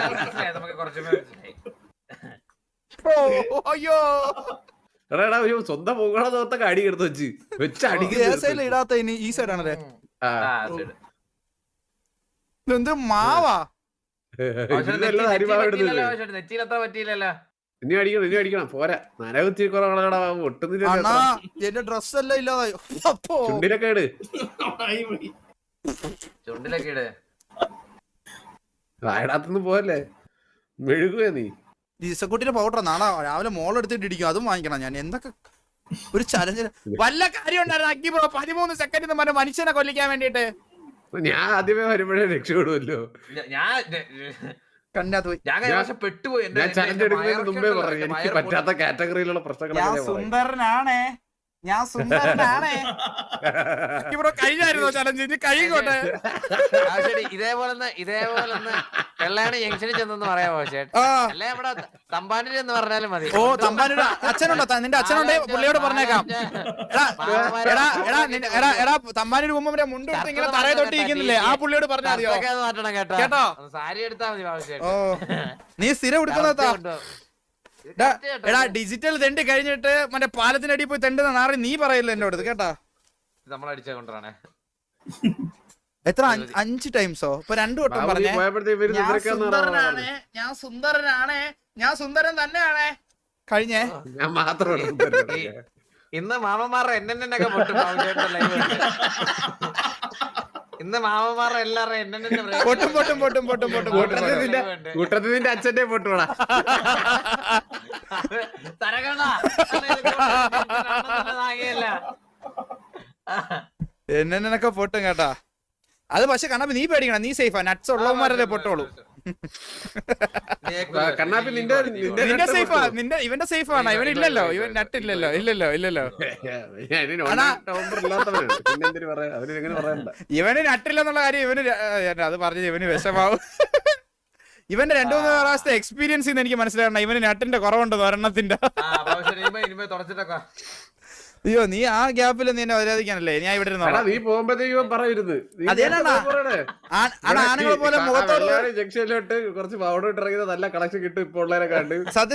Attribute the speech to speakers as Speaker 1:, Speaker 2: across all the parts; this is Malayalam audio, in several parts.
Speaker 1: നമുക്ക് കുറച്ച്
Speaker 2: അയ്യോ
Speaker 3: എടാ ഒരു സ്വന്തം പോകണത്തൊക്കെ അടി എടുത്ത് വെച്ച് അടിക്കുന്ന
Speaker 2: ഇടാത്ത ഇനി ഈ സൈഡാണല്ലേ ഇതെന്ത് മാവാ
Speaker 1: നെറ്റിയിലെത്താൻ പറ്റിയില്ലല്ലോ.
Speaker 3: ഇനി അടിക്കണം പോരാ നനകുത്തി ഒട്ടുന്നില്ല
Speaker 2: എന്റെ ഡ്രസ് എല്ലാം ഇല്ലാതായോ
Speaker 3: ചുണ്ടിലൊക്കെ ഇട്
Speaker 1: ചുണ്ടിലൊക്കെ ഇട്
Speaker 3: വായടാത്തൊന്നും പോവല്ലേ മെഴുകുവേ നീ
Speaker 2: ഈസക്കുട്ടിന്റെ പൗഡർ നാളെ രാവിലെ മോളെടുത്തിട്ട് ഇടിക്കും അതും വാങ്ങിക്കണം ഞാൻ എന്തൊക്കെ ഒരു ചലഞ്ച് വല്ല കാര്യം ഉണ്ടായിരുന്നു അക്കി ബ്രോ 13 സെക്കൻഡ് പറഞ്ഞ മനുഷ്യനെ കൊല്ലിക്കാൻ വേണ്ടിട്ട്
Speaker 3: ഞാൻ ആദ്യമേ വരുമ്പോഴേ രക്ഷപ്പെടുമല്ലോ
Speaker 2: കണ്ടാത്ത് പോയി
Speaker 1: ഞാൻ പെട്ടുപോയി
Speaker 3: ഞാൻ ചലഞ്ച് എടുക്കുന്നതിന് മുമ്പേ പറഞ്ഞു എനിക്ക് പറ്റാത്ത കാറ്റഗറിയിലുള്ള പ്രശ്നങ്ങൾ
Speaker 2: സുന്ദരനാണേ ഞാൻ സുന്ദരനാണേ ഇവിടെ കഴിഞ്ഞായിരുന്നോ ചലഞ്ച് ഇനി കഴിക്കോട്ടെ
Speaker 1: ഇതേപോലെ വെള്ളയാണ് ജംഗ്ഷനിൽ ചെന്നെന്ന് പറയാമോ അല്ലെ ഇവിടെ തമ്പാനൂര് എന്ന് പറഞ്ഞാലും മതി.
Speaker 2: ഓ തമ്പാനൂര് അച്ഛനുണ്ടോ നിന്റെ അച്ഛനുണ്ട് പുള്ളിയോട് പറഞ്ഞേക്കാം എടാ തമ്പാനൂര് പോകുമ്പോ മുണ്ട് കൊടുത്ത് ഇങ്ങനെ തറയെ തൊട്ടിരിക്കുന്നില്ലേ ആ പുള്ളിയോട് പറഞ്ഞാൽ മതിയോ
Speaker 1: മാറ്റണം
Speaker 2: കേട്ടോ
Speaker 1: സാരി എടുത്താൽ മതി ആവശ്യം.
Speaker 2: ഓ നീ സ്ഥിരം എടുക്കുന്നതാ എടാ ഡിജിറ്റൽ തെണ്ടി കഴിഞ്ഞിട്ട് മറ്റേ പാലത്തിനടി പോയി തെണ്ടുന്ന നാറി നീ പറയില്ല എന്റെ അടുത്ത് കേട്ടാ
Speaker 1: നമ്മളടിച്ച കൊണ്ടാണ്
Speaker 2: എത്ര 5 ടൈംസോ ഇപ്പൊ 2 വട്ടം പറഞ്ഞേ ഞാൻ സുന്ദരൻ തന്നെയാണേ കഴിഞ്ഞേ
Speaker 3: ഞാൻ മാത്രം
Speaker 1: ഇന്ന് മാമന്മാരുടെ എന്നൊക്കെ പൊട്ടും. ഇന്ന് മാമന്മാരുടെ എല്ലാവരും
Speaker 3: കൂട്ടത്തിൽ നിന്റെ അച്ഛന്റെ പൊട്ടുവാടാ
Speaker 2: എന്നൊക്കെ പൊട്ടും കേട്ടാ. അത് പക്ഷെ കണ്ണാപ്പി നീ പേടിക്കണം, നീ സേഫാ. നട്ട്സ് ഉള്ളവന്മാരല്ലേ പൊട്ടോളൂ. നിന്റെ സേഫാ, ഇവന്റെ സേഫാണ്. ഇവനില്ലല്ലോ, ഇവൻ നട്ടില്ലല്ലോ. ഇല്ലല്ലോ ഇവന് നട്ടില്ലെന്നുള്ള കാര്യം ഇവന് അത് പറഞ്ഞത് ഇവന് വിഷമാവും. ഇവന്റെ 2-3 പ്രാവശ്യത്തെ എക്സ്പീരിയൻസ് എനിക്ക് മനസ്സിലാക്കണം. ഇവന് നട്ടിന്റെ കുറവുണ്ടെന്ന് ഒരെണ്ണത്തിന്റെ. അയ്യോ നീ ആ ഗ്യാപ്പിൽ നിന്നെ വരാതിരിക്കാനല്ലേ ഞാൻ ഇവിടെ ആണുങ്ങളെ പോലെ
Speaker 3: ജംഗ്ഷനിലോട്ട് കുറച്ച് പൗഡർ ഇട്ടിറങ്ങിയത് നല്ല കളക്ഷൻ കിട്ടും ഇപ്പൊ ഉള്ളവരെ കണ്ട്.
Speaker 2: സത്യം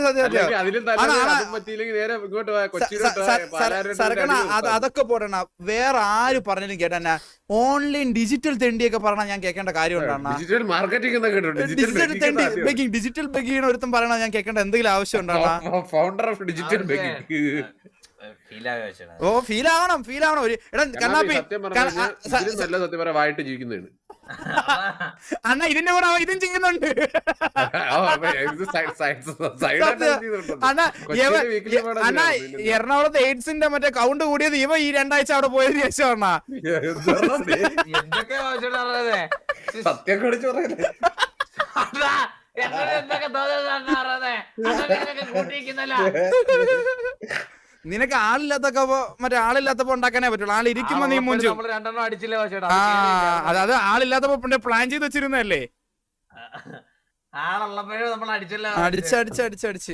Speaker 2: സർക്കണ അതൊക്കെ പോടണ. വേറെ ആര് പറഞ്ഞാലും കേട്ടാ ഓൺലൈൻ ഡിജിറ്റൽ തെണ്ടിയൊക്കെ പറഞ്ഞാൽ ഞാൻ കേൾക്കേണ്ട കാര്യം ഉണ്ടാണ്.
Speaker 3: ഡിജിറ്റൽ മാർക്കറ്റിംഗ്
Speaker 2: ഡിജിറ്റൽ ബെഗിങ് ഒരുത്തും പറയണ ഞാൻ കേൾക്കേണ്ട എന്തെങ്കിലും ആവശ്യം ഉണ്ടാണ്.
Speaker 3: Founder of digital begging.
Speaker 2: ഓ ഫീൽ ആവണം. ഒരു കണ്ണാപ്പി
Speaker 3: സത്യം പറയാൻ വായിട്ട് ജീവിക്കുന്നതാണ്
Speaker 2: അണ്ണ. ഇതിന്റെ കൂടെ ഇതും ചെയ്യുന്നുണ്ട് അണ്ണ. എറണാകുളത്ത് എയ്ഡ്സിന്റെ മറ്റേ കൗണ്ട് കൂടിയത് ഇവ ഈ 2 ആഴ്ച അവിടെ പോയതിനു ശേഷം അണ്ണ.
Speaker 3: സത്യം കുറിച്ച് പറയല്ലേ
Speaker 2: നിനക്ക് ആളില്ലാത്തപ്പോ മറ്റേ ആളില്ലാത്തപ്പോ ഉണ്ടാക്കാനേ പറ്റുള്ളൂ. ആളിരിക്കുമ്പോ നീ മുഞ്ചു. അതായത് ആളില്ലാത്തപ്പോ പ്ലാൻ ചെയ്ത് വെച്ചിരുന്നല്ലേ. അടിച്ച്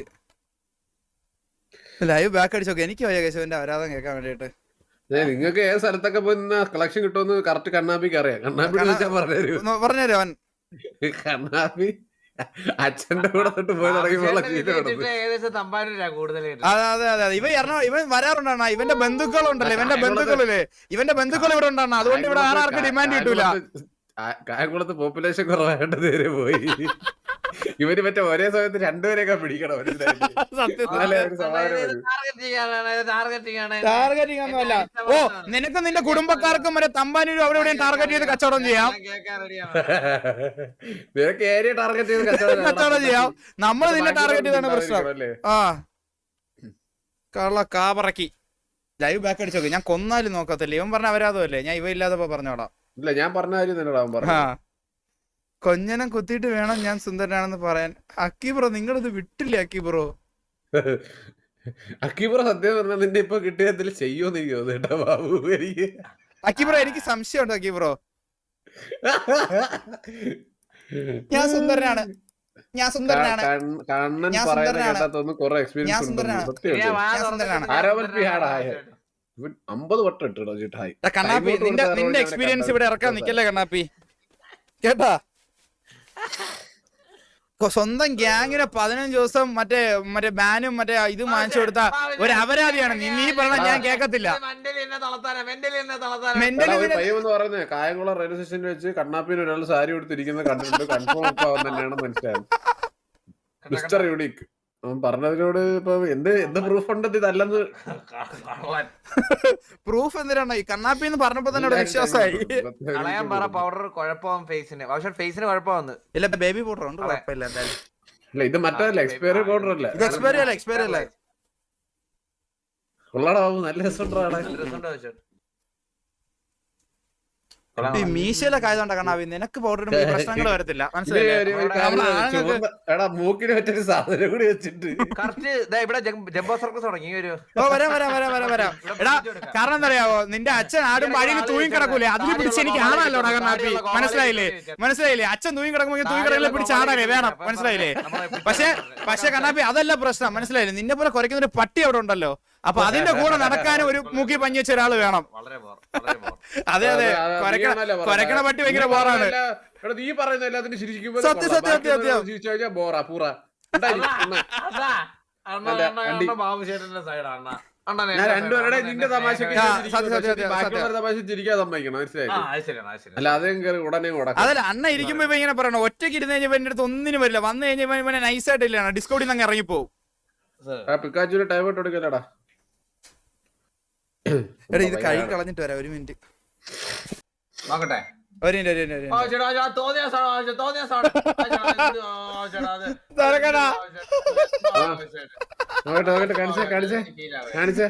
Speaker 2: ലൈവ് ബാക്ക് അടിച്ചോക്കെ. എനിക്ക് വയ്യ കേശവന്റെ ആരാധന കേൾക്കാൻ വേണ്ടിട്ട്.
Speaker 3: നിങ്ങൾക്ക് ഏത് സ്ഥലത്തൊക്കെ പോയി കളക്ഷൻ കിട്ടുമെന്ന് കറക്റ്റ് കണ്ണാപ്പിക്ക് അറിയാം. കണ്ണാപ്പി
Speaker 2: പറഞ്ഞുതരും അവൻ.
Speaker 3: കണ്ണാപ്പി അച്ഛന്റെ കൂടെ തൊട്ട് പോയി തുടങ്ങിയപ്പോൾ
Speaker 2: അതെ ഇവൻ വരാറുണ്ടാണ്. ഇവന്റെ ബന്ധുക്കളുണ്ടല്ലോ, ഇവന്റെ ബന്ധുക്കൾ ഇവിടെ ഉണ്ടാണ്. അതുകൊണ്ട് ഇവിടെ ആർക്കും ഡിമാൻഡ് കിട്ടൂല.
Speaker 3: കായംകുളത്ത് പോപ്പുലേഷൻ കുറവായിട്ട് നേരെ പോയി. ഇവര് മറ്റേ ഒരേ സമയത്ത് 2 പേരെയൊക്കെ പിടിക്കണം.
Speaker 2: ഓ നിനക്കും നിന്റെ കുടുംബക്കാർക്കും മറ്റേ തമ്പാനൂരും അവിടെ എവിടെയും ടാർഗറ്റ് ചെയ്ത് കച്ചവടം ചെയ്യാം.
Speaker 3: നിനക്ക് ഏരിയ ടാർഗറ്റ് ചെയ്ത്
Speaker 2: കച്ചവടം ചെയ്യാം. നമ്മള് നിന്നെ ടാർഗറ്റ് ചെയ്താണ് പ്രശ്നം. ആ കള്ള കാപറക്കി. Live back അടിച്ചോക്കെ. ഞാൻ കൊന്നാലും നോക്കത്തില്ല. ഇവൻ പറഞ്ഞ അവരാതല്ലേ. ഞാൻ ഇവ ഇല്ലാത്തപ്പോ പറഞ്ഞോടാം.
Speaker 3: ഇല്ല ഞാൻ പറഞ്ഞ കാര്യം തന്നെ.
Speaker 2: കൊഞ്ഞനം കുത്തിയിട്ട് വേണം ഞാൻ സുന്ദരനാണെന്ന് പറയാൻ. അക്കി ബ്രോ നിങ്ങളിത് വിട്ടില്ലേ അക്കി ബ്രോ?
Speaker 3: അക്കി ബ്രോ സത്യം പറഞ്ഞാൽ നിന്റെ ഇപ്പൊ കിട്ടിയതിൽ ചെയ്യോന്ന് എനിക്ക് തോന്നുന്നു ബാബു. എനിക്ക്
Speaker 2: അക്കി ബ്രോ എനിക്ക് സംശയമുണ്ട്. അക്കി ബ്രോ ഞാൻ സുന്ദരനാണ്.
Speaker 3: കണ്ണൻ പറയുന്ന കേട്ടാത്തൊന്നും കുറെ എക്സ്പീരിയൻസ് ഉണ്ട്. 50 വട്ടം ഇട്ടോ ചിട്ടായി.
Speaker 2: കണ്ണാപ്പി നിന്റെ എക്സ്പീരിയൻസ് ഇവിടെ ഇറക്കാൻ നിക്കല്ലേ കണ്ണാപ്പി കേട്ടാ. സ്വന്തം ഗ്യാങ്ങിന് 15 ദിവസം മറ്റേ ബാനും മറ്റേ ഇത് വാങ്ങിച്ചു കൊടുത്ത ഒരു അപരാധിയാണ് നീ പറഞ്ഞ ഞാൻ കേക്കത്തില്ല.
Speaker 3: പറയുന്നത് കായംകുളം റെയിൽവേ സ്റ്റേഷനിൽ വെച്ച് കണ്ണാപ്പിന് ഒരാൾ സാരി കൊടുത്തിരിക്കുന്നത് കണ്ടിട്ട് കൺഫേം തന്നെയാണ് മനസ്സിലായത്. മിസ്റ്റർ യൂണിക് അവൻ പറഞ്ഞതിനോട് ഇപ്പൊ എന്ത് പ്രൂഫ് ഉണ്ട് ഇതല്ലെന്ന്?
Speaker 2: പ്രൂഫ് എന്തിനാണ് ഈ കണ്ണാപ്പി എന്ന് പറഞ്ഞപ്പോ തന്നെ വിശ്വാസമായി.
Speaker 1: പൗഡർ കുഴപ്പം ഫേസിന് കുഴപ്പമെന്ന്
Speaker 2: ഇല്ല ബേബി പൗഡർ ഉണ്ട് കുഴപ്പമില്ല എന്തായാലും.
Speaker 3: ഇല്ല ഇത് മറ്റല്ല എക്സ്പയറി പൗഡർ അല്ല.
Speaker 2: ഇത് എക്സ്പയറി അല്ല.
Speaker 3: കൊള്ളാടാ നല്ല രസമുണ്ടോ?
Speaker 2: ഈ മീശയിലൊക്കെ ആയതുകൊണ്ടാ കണ്ണാപ്പി നിനക്ക് പൗഡർ പ്രശ്നങ്ങൾ വരത്തില്ല മനസ്സിലായില്ലേ?
Speaker 3: മൂക്കിന് പറ്റൊരു സാധനം കൂടി വെച്ചിട്ട്
Speaker 2: വരാം. എടാ കാരണം എന്താ അറിയാവോ, നിന്റെ അച്ഛൻ ആടും വഴിയിൽ തൂങ്ങി കിടക്കൂലേ, അതിന് പിടിച്ച് എനിക്ക് ആണല്ലോടാ കണ്ണാപ്പി. മനസ്സിലായില്ലേ? അച്ഛൻ തൂങ്ങി കിടക്കുമ്പോൾ തൂങ്ങി കിടക്കില്ല പിടിച്ച് ആടാനേ വേണം. മനസ്സിലായില്ലേ? പക്ഷെ കണ്ണാപ്പി അതല്ല പ്രശ്നം. മനസ്സിലായില്ലേ? നിന്നെ പോലെ കുറയ്ക്കുന്ന ഒരു പട്ടി അവിടെ ഉണ്ടല്ലോ, അപ്പൊ അതിന്റെ കൂടെ നടക്കാനും ഒരു മൂക്കി പഞ്ഞി വെച്ച ഒരാള് വേണം. അതെ കൊരക്കണ പട്ടി ഭയങ്കര ബോറാണ്.
Speaker 3: നീ പറയുന്ന എല്ലാത്തിനും ശരിക്കും ഞാൻ രണ്ടുപേരുടെ നിന്റെ തമാശക്ക് തമാശ ചിരിക്കാൻ സമ്മതിക്കണം. മനസ്സിലായി? അല്ല അതേ ഉടനെ
Speaker 2: അതല്ല അണ്ണ ഇരിക്കുമ്പോ ഇങ്ങനെ പറയണം. ഒറ്റയ്ക്ക് ഇരുന്ന് കഴിഞ്ഞപ്പോ എന്റെ അടുത്ത് ഒന്നിനും വരില്ല. വന്നു കഴിഞ്ഞപ്പോ ഇവനെ നൈസായിട്ട് ഇല്ല ഡിസ്കൗണ്ടിൽ നിന്ന് ഇറങ്ങിപ്പോവും.
Speaker 3: പിക്കാച്ചുവിന് ടൈം ഇട്ട് കൊടുക്കലടാ.
Speaker 2: എടാ ഇത് കഴുകി കളഞ്ഞിട്ട് വരാം. ഒരു മിനിറ്റ്
Speaker 1: നോക്കട്ടെ.
Speaker 3: കാണിച്ചേ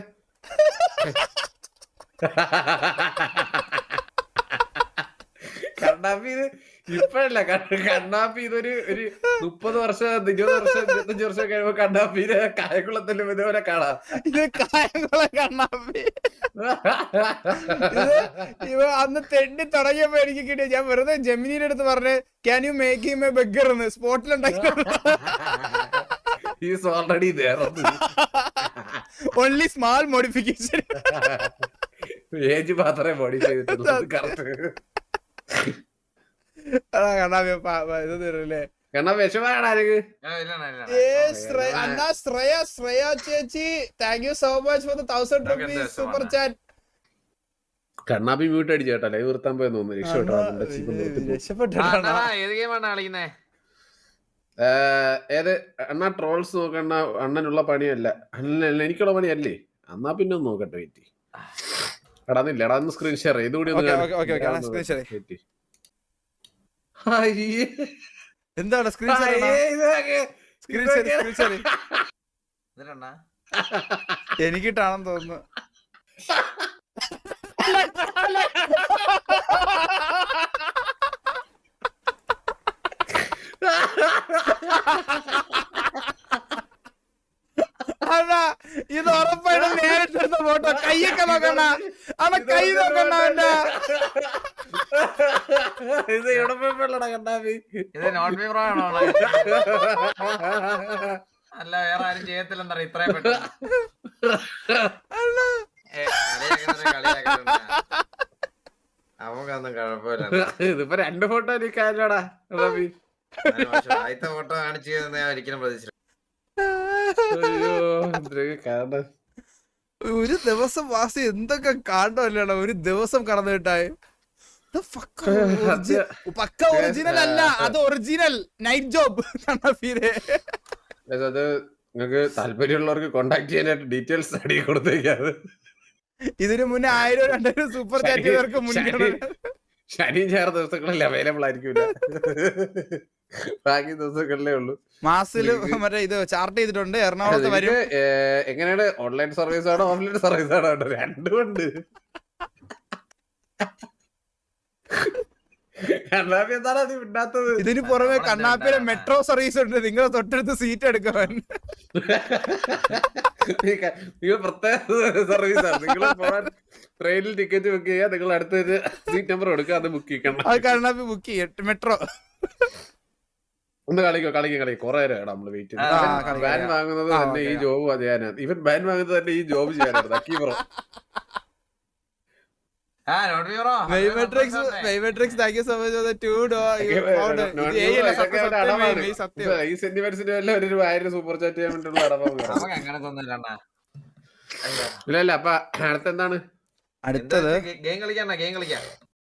Speaker 3: കണ്ണാപ്പി ഇത് ഇപ്പഴല്ല. കണ്ണാപ്പി ഇതൊരു 30 വർഷം 20 വർഷം 25 വർഷം കഴിയുമ്പോ കണ്ണാപ്പിനെ കായംകുളത്തിലും ഇതുപോലെ കാണാം.
Speaker 2: ഇത് കായംകുളം കണ്ണാപ്പി ഇവ അന്ന് തെണ്ടി തുടങ്ങിയപ്പോ എനിക്ക് കിട്ടിയ ഞാൻ വെറുതെ ജെമിനിയുടെ അടുത്ത് പറഞ്ഞ് can you make him a beggar എന്ന് സ്പോട്ടിലുണ്ടാക്കി. Only small modification.
Speaker 3: ഏജ് മാത്രമേ മോഡിഫൈ ചെയ്തിട്ടുള്ളൂ. കറക്റ്റ് കണ്ണാപ്പി മ്യൂട്ട് അടിച്ചു കേട്ടോ. ലൈവ് നിർത്താൻ പോയെന്ന് തോന്നുന്നു. ഏത് അണ്ണാ ട്രോൾസ് നോക്കണ്ണ അണ്ണനുള്ള പണിയല്ല. അണ്ണനല്ല എനിക്കുള്ള പണിയല്ലേ. എന്നാ പിന്നെ ഒന്ന് നോക്കട്ടെ. വെയിറ്റ് എടാന്നില്ല. എടാ ഒന്ന് സ്ക്രീൻ ഷെയർ ഇതുകൂടി
Speaker 2: എന്താണ് സ്ക്രീൻ എനിക്കിട്ടാണെന്ന് തോന്നുന്നു. ഇത് ഉറപ്പായിട്ടും നേരിട്ടെടുത്ത ഫോട്ടോ. കൈയൊക്കെ നോക്കണ അവിടെ കൈ നോക്കണ അവന്റെ.
Speaker 3: ഇത് എവിടെ പോയപ്പോഴാണ് കണ്ണാപ്പി?
Speaker 1: ഇത് നോട്ട് പേപ്പർ ആണോ? അല്ല വേറെ ആരും ചെയ്യത്തില്ലെന്നാ ഇത്രയും പെട്ടെന്ന്. നമുക്കൊന്നും കുഴപ്പമില്ല.
Speaker 3: ഇതിപ്പോ 2 ഫോട്ടോ എനിക്കാലോടാ കണ്ണാപ്പി.
Speaker 1: ആദ്യത്തെ ഫോട്ടോ കാണിച്ചു ഞാൻ ഒരിക്കലും പ്രതീക്ഷിച്ചു.
Speaker 2: ഒരു ദിവസം വാസി എന്തൊക്കെ കാണണമല്ലേടാ. ഒരു ദിവസം കടന്നു കിട്ടായി. പക്ക ഒറിജിനൽ അല്ല, അത് ഒറിജിനൽ നൈറ്റ് ജോബ്.
Speaker 3: അത് നിങ്ങൾക്ക് താല്പര്യമുള്ളവർക്ക് കോണ്ടാക്ട് ചെയ്യാനായിട്ട് ഡീറ്റെയിൽസ് അടി കൊടുത്തേക്കാത്.
Speaker 2: ഇതിനു മുന്നേ 1000-2000 സൂപ്പർ ചാറ്റ് ചെയ്തവർക്ക് മുൻഗണന.
Speaker 3: ശനി ഞായർ ദിവസങ്ങളിൽ അവൈലബിൾ ആയിരിക്കില്ല. ബാക്കി ദിവസങ്ങളിലേ ഉള്ളൂ.
Speaker 2: മാസത്തില് മറ്റേ ഇത് ചാർട്ട് ചെയ്തിട്ടുണ്ട്. എറണാകുളത്ത് വരും.
Speaker 3: എങ്ങനെയാണ്? ഓൺലൈൻ സർവീസ് ആണോ ഓഫ്ലൈൻ സർവീസ് ആണോ? രണ്ടും ഉണ്ട്. കണ്ണാപ്പി എന്താണ് അത് വിടാത്തത്?
Speaker 2: ഇതിന് പുറമെ കണ്ണാപ്പിയുടെ മെട്രോ സർവീസ് ഉണ്ട്. നിങ്ങൾ തൊട്ടടുത്ത് സീറ്റ് എടുക്കാൻ.
Speaker 3: നിങ്ങൾ പ്രത്യേക സർവീസാണ്. നിങ്ങൾ പോകാൻ ട്രെയിനിൽ ടിക്കറ്റ് ബുക്ക് ചെയ്യുക. നിങ്ങൾ അടുത്തൊരു സീറ്റ് നമ്പർ കൊടുക്കുക. അത് ബുക്ക് ചെയ്യണം.
Speaker 2: അത് കണ്ണാപ്പി ബുക്ക് ചെയ്യും. മെട്രോ
Speaker 3: ഒന്ന് കളിക്കോ കൊറേ നേരം നമ്മള് വെയിറ്റ് ചെയ്ത്. ബാൻ വാങ്ങുന്നത് തന്നെ ഈ ജോബ് ചെയ്യാനാണ്. ഇവൻ ബാൻ വാങ്ങുന്നത് തന്നെ ഈ ജോബ് ചെയ്യാനായിരുന്നു. അക്കീപ്രോ
Speaker 2: metrics thank you so much for the 2
Speaker 3: ഈ സെന്റിമെന്റ്സിന് വല്ല ഒരു 1000 സൂപ്പർ ചാറ്റ് ചെയ്യാൻ വേണ്ടിയുള്ള അടവാണ്.
Speaker 1: അങ്ങനെ തോന്നില്ല.
Speaker 3: ഇല്ല അപ്പൊ അടുത്തെന്താണ്?
Speaker 2: അടുത്തത്
Speaker 1: ഗെയിം കളിക്കാം.